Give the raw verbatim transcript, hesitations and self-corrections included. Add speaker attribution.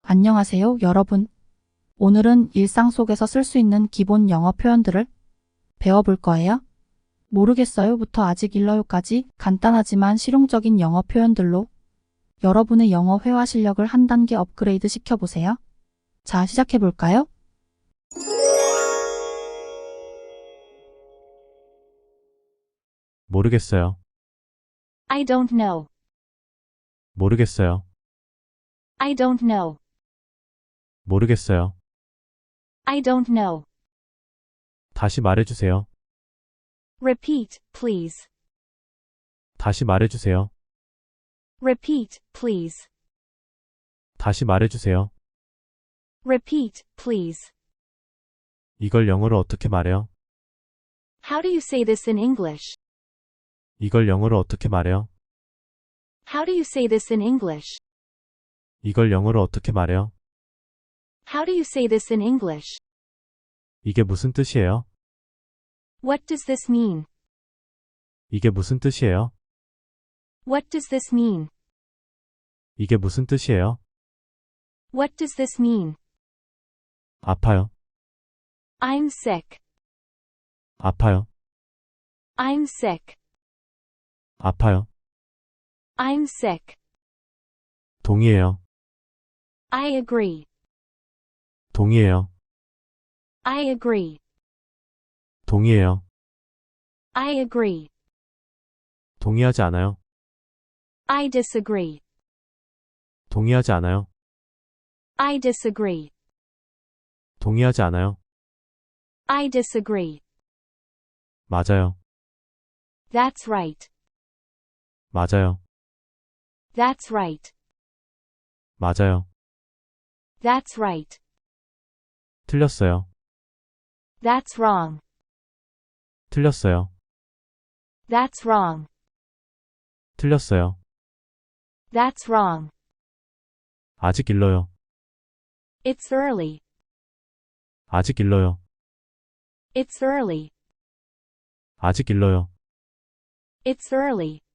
Speaker 1: 안녕하세요, 여러분. 오늘은 일상 속에서 쓸 수 있는 기본 영어 표현들을 배워볼 거예요. 모르겠어요부터 아직 일러요까지 간단하지만 실용적인 영어 표현들로 여러분의 영어 회화 실력을 한 단계 업그레이드 시켜보세요. 자, 시작해볼까요?
Speaker 2: 모르겠어요.
Speaker 3: I don't know.
Speaker 2: 모르겠어요.
Speaker 3: I don't know.
Speaker 2: 모르겠어요.
Speaker 3: I don't know.
Speaker 2: 다시 말해주세요.
Speaker 3: Repeat, please.
Speaker 2: 다시 말해주세요.
Speaker 3: Repeat, please.
Speaker 2: 다시 말해주세요.
Speaker 3: Repeat, please.
Speaker 2: 이걸 영어로 어떻게 말해요?
Speaker 3: How do you say this in English?
Speaker 2: 이걸 영어로 어떻게 말해요?
Speaker 3: How do you say this in English?
Speaker 2: 이걸 영어로 어떻게 말해요?
Speaker 3: How do you say this in English?
Speaker 2: 이게 무슨 뜻이에요?
Speaker 3: What does this mean?
Speaker 2: 이게 무슨 뜻이에요?
Speaker 3: What does this mean?
Speaker 2: 이게 무슨 뜻이에요?
Speaker 3: What does this mean?
Speaker 2: 아파요.
Speaker 3: I'm sick.
Speaker 2: 아파요.
Speaker 3: I'm sick.
Speaker 2: 아파요.
Speaker 3: I'm sick.
Speaker 2: 동의해요.
Speaker 3: I agree.
Speaker 2: 동의해요.
Speaker 3: I agree.
Speaker 2: 동의해요.
Speaker 3: I agree.
Speaker 2: 동의하지 않아요.
Speaker 3: I disagree.
Speaker 2: 동의하지 않아요.
Speaker 3: I disagree.
Speaker 2: 동의하지 않아요.
Speaker 3: I disagree.
Speaker 2: 맞아요.
Speaker 3: That's right.
Speaker 2: 맞아요.
Speaker 3: That's right.
Speaker 2: 맞아요.
Speaker 3: That's right.
Speaker 2: 틀렸어요.
Speaker 3: That's wrong.
Speaker 2: 틀렸어요.
Speaker 3: That's wrong.
Speaker 2: 틀렸어요.
Speaker 3: That's wrong.
Speaker 2: 아직 일러요.
Speaker 3: It's early.
Speaker 2: 아직 일러요.
Speaker 3: It's early.
Speaker 2: 아직 일러요.
Speaker 3: It's early.